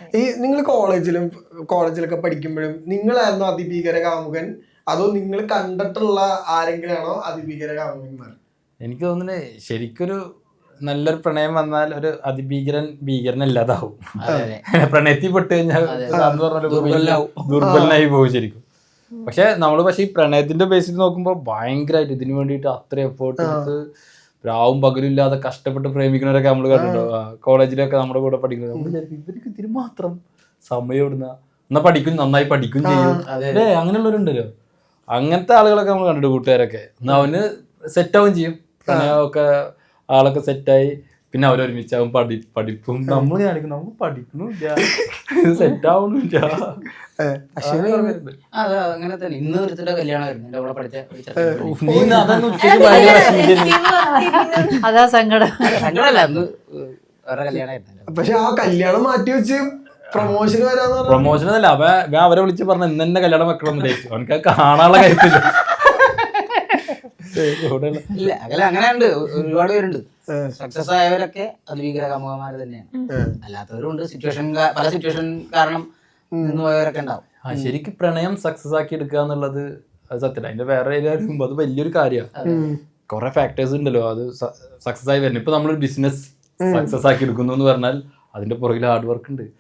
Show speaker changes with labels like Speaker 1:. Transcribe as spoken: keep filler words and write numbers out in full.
Speaker 1: ഈ നിങ്ങൾ കോളേജിലും കോളേജിലൊക്കെ പഠിക്കുമ്പോഴും നിങ്ങളായിരുന്നു അതിഭീകര കാമുകൻ അതോ നിങ്ങൾ കണ്ടിട്ടുള്ള ആരെങ്കിലും ആണോ അതിഭീകര കാമുകന്മാർ?
Speaker 2: എനിക്ക് തോന്നുന്നത് ശരിക്കൊരു നല്ലൊരു പ്രണയം വന്നാൽ ഒരു അതിഭീകരൻ ഭീകരനല്ലാതാവും. പ്രണയത്തിൽ പെട്ട് കഴിഞ്ഞാൽ ദുർബലനായി പോകും ശരിക്കും. പക്ഷെ നമ്മള് പക്ഷെ ഈ പ്രണയത്തിന്റെ ബേസിൽ നോക്കുമ്പോൾ ഭയങ്കരമായിട്ട് ഇതിനു വേണ്ടിയിട്ട് അത്ര എഫേർട്ട് എടുത്ത് രാവും പകലും ഇല്ലാതെ കഷ്ടപ്പെട്ട് പ്രേമിക്കുന്നവരൊക്കെ നമ്മൾ കണ്ടിട്ടുണ്ടോ? കോളേജിലൊക്കെ നമ്മുടെ കൂടെ പഠിക്കുന്നത് നമ്മൾ വിചാരിക്കും ഇവർക്ക് ഇതിന് മാത്രം സമയം ഇടുന്ന എന്നാ പഠിക്കും നന്നായി പഠിക്കും ചെയ്യും അല്ലേ, അങ്ങനെയുള്ളവരുണ്ടല്ലോ. അങ്ങനത്തെ ആളുകളൊക്കെ നമ്മൾ കണ്ടിട്ട് കൂട്ടുകാരൊക്കെ എന്നാ അവന് സെറ്റാവും ചെയ്യും. പ്രണയമൊക്കെ ആളൊക്കെ സെറ്റായി പിന്നെ അവരൊരുമിച്ചാവും പഠി പഠിപ്പും നമ്മൾ കാണിക്കും നമുക്ക് പഠിക്കണില്ല സെറ്റ് ആവണില്ല.
Speaker 3: അങ്ങനെ തന്നെ ഇന്ന് ഒരുത്തിന്റെ കല്യാണമായിരുന്നു എന്റെ കൂടെ പഠിച്ച.
Speaker 4: അതാ സങ്കടം.
Speaker 3: സങ്കടമല്ല, അന്ന് വേറെ കല്യാണമായിരുന്നു.
Speaker 1: പക്ഷെ ആ കല്യാണം മാറ്റി വെച്ച് പ്രൊമോഷൻ വരാന്ന്
Speaker 2: പ്രൊമോഷൻ അല്ല അവ അവരെ വിളിച്ച് പറഞ്ഞ ഇന്ന് തന്നെ കല്യാണം വെക്കണം എന്ന് ചോദിച്ചു. അവനക്ക് കാണാനുള്ള കാര്യത്തില്ല.
Speaker 3: ഇല്ല അങ്ങനെ അങ്ങനെയുണ്ട്, ഒരുപാട് പേരുണ്ട്. സക്സസ് ആയവരൊക്കെ അതിഭീകര കാമുകന്മാർ തന്നെയാണ്. അല്ലാത്തവരുണ്ട്, സിറ്റുവേഷൻ പല സിറ്റുവേഷൻ കാരണം നിന്ന് പോയവരൊക്കെ ഉണ്ടാവും.
Speaker 2: ആ ശരിക്കും പ്രണയം സക്സസ് ആക്കി എടുക്കുക എന്നുള്ളത് അത് സത്യം. അതിന്റെ വേറെ ഏരിയ അത് വലിയൊരു കാര്യമാണ്. കുറെ ഫാക്ടേഴ്സ് ഉണ്ടല്ലോ അത് സക്സസ് ആയി വരുന്നത്. ഇപ്പൊ നമ്മളൊരു ബിസിനസ് സക്സസ് ആക്കി എടുക്കുന്നു എന്ന് പറഞ്ഞാൽ അതിന്റെ പുറകിൽ ഹാർഡ് വർക്ക് ഉണ്ട്.